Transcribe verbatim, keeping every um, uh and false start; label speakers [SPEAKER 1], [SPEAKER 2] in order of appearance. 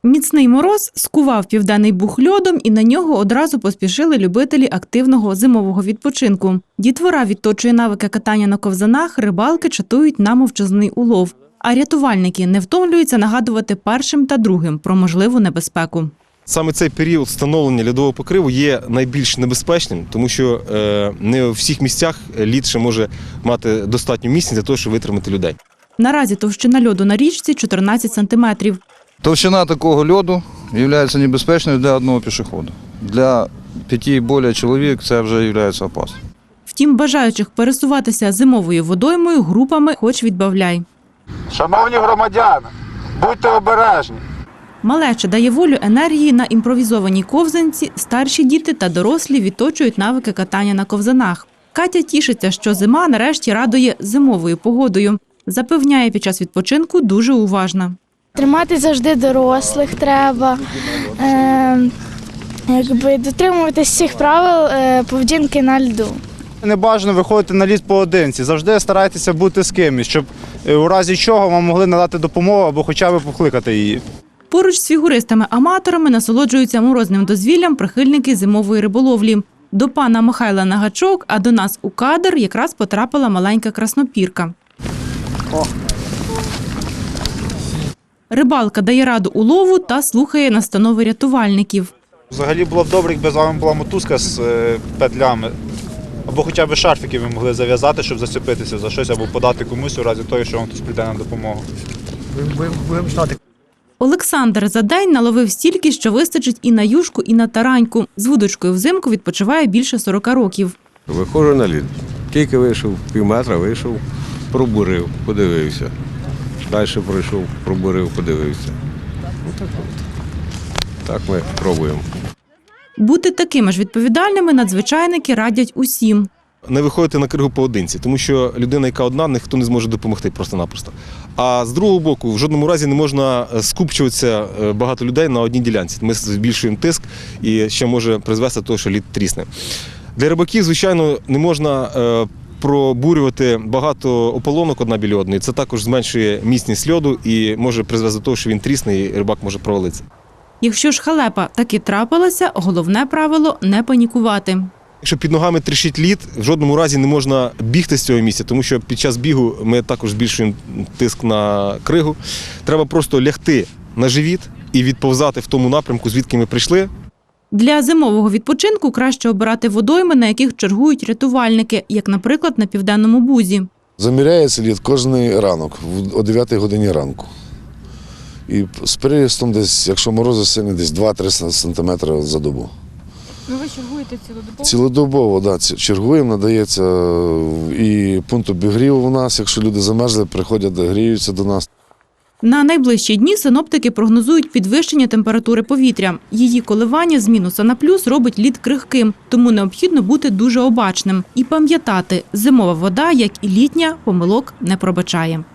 [SPEAKER 1] Міцний мороз скував Південний Буг льодом, і на нього одразу поспішили любителі активного зимового відпочинку. Дітвора відточує навики катання на ковзанах, рибалки чатують на мовчазний улов. А рятувальники не втомлюються нагадувати першим та другим про можливу небезпеку.
[SPEAKER 2] Саме цей період встановлення льодового покриву є найбільш небезпечним, тому що не у всіх місцях лід ще може мати достатню міцність для того, щоб витримати людей.
[SPEAKER 1] Наразі товщина льоду на річці – чотирнадцять сантиметрів.
[SPEAKER 3] Товщина такого льоду є небезпечною для одного пішохода. Для п'яти і більше чоловік це вже є опасним.
[SPEAKER 1] Втім, бажаючих пересуватися зимовою водоймою групами хоч відбавляй.
[SPEAKER 4] Шановні громадяни, будьте обережні.
[SPEAKER 1] Малеча дає волю енергії на імпровізованій ковзанці, старші діти та дорослі відточують навики катання на ковзанах. Катя тішиться, що зима нарешті радує зимовою погодою. Запевняє, під час відпочинку дуже уважна.
[SPEAKER 5] Тримати завжди дорослих треба, е, якби дотримуватись всіх правил е, поведінки на льду.
[SPEAKER 4] Не бажано виходити на лід поодинці. Завжди старайтеся бути з кимось, щоб у разі чого вам могли надати допомогу або хоча б покликати її.
[SPEAKER 1] Поруч з фігуристами-аматорами насолоджуються морозним дозвіллям прихильники зимової риболовлі. До пана Михайла на гачок, а до нас у кадр якраз потрапила маленька краснопірка.
[SPEAKER 4] О.
[SPEAKER 1] Рибалка дає раду улову та слухає настанови рятувальників.
[SPEAKER 4] Взагалі було б добре, якби з вами була мотузка з петлями, або хоча б шарфики ви могли зав'язати, щоб зачепитися за щось, або подати комусь у разі того, що вам хтось прийде на допомогу.
[SPEAKER 1] Олександр за день наловив стільки, що вистачить і на юшку, і на тараньку. З вудочкою взимку відпочиває більше сорока років.
[SPEAKER 6] Виходжу на лід. Тільки вийшов, пів метра вийшов, пробурив, подивився. Далі пройшов, пробурив, подивився. Ну, так, так ми пробуємо.
[SPEAKER 1] Бути такими ж відповідальними надзвичайники радять усім.
[SPEAKER 2] Не виходити на кригу поодинці, тому що людина, яка одна, ніхто не зможе допомогти просто-напросто. А з другого боку, в жодному разі не можна скупчуватися багато людей на одній ділянці. Ми збільшуємо тиск і ще може призвести до того, що лід трісне. Для рибаків, звичайно, не можна пробурювати багато ополонок одна біля одної. Це також зменшує міцність льоду і може призвести до того, що він трісне і рибак може провалитися.
[SPEAKER 1] Якщо ж халепа таки трапилася, головне правило – не панікувати.
[SPEAKER 2] Якщо під ногами тріщить лід, в жодному разі не можна бігти з цього місця, тому що під час бігу ми також збільшуємо тиск на кригу. Треба просто лягти на живіт і відповзати в тому напрямку, звідки ми прийшли.
[SPEAKER 1] Для зимового відпочинку краще обирати водойми, на яких чергують рятувальники, як, наприклад, на Південному Бузі.
[SPEAKER 7] Заміряється лід кожен ранок, о дев'ятій годині ранку. І з приростом десь, якщо морози сильні, десь два-три сантиметри за добу.
[SPEAKER 8] Ну ви чергуєте цілодобово?
[SPEAKER 7] Цілодобово, так. Да, чергуємо, надається і пункт обігріву у нас. Якщо люди замерзли, приходять, гріються до нас.
[SPEAKER 1] На найближчі дні синоптики прогнозують підвищення температури повітря. Її коливання з мінуса на плюс робить лід крихким, тому необхідно бути дуже обачним. І пам'ятати, зимова вода, як і літня, помилок не пробачає.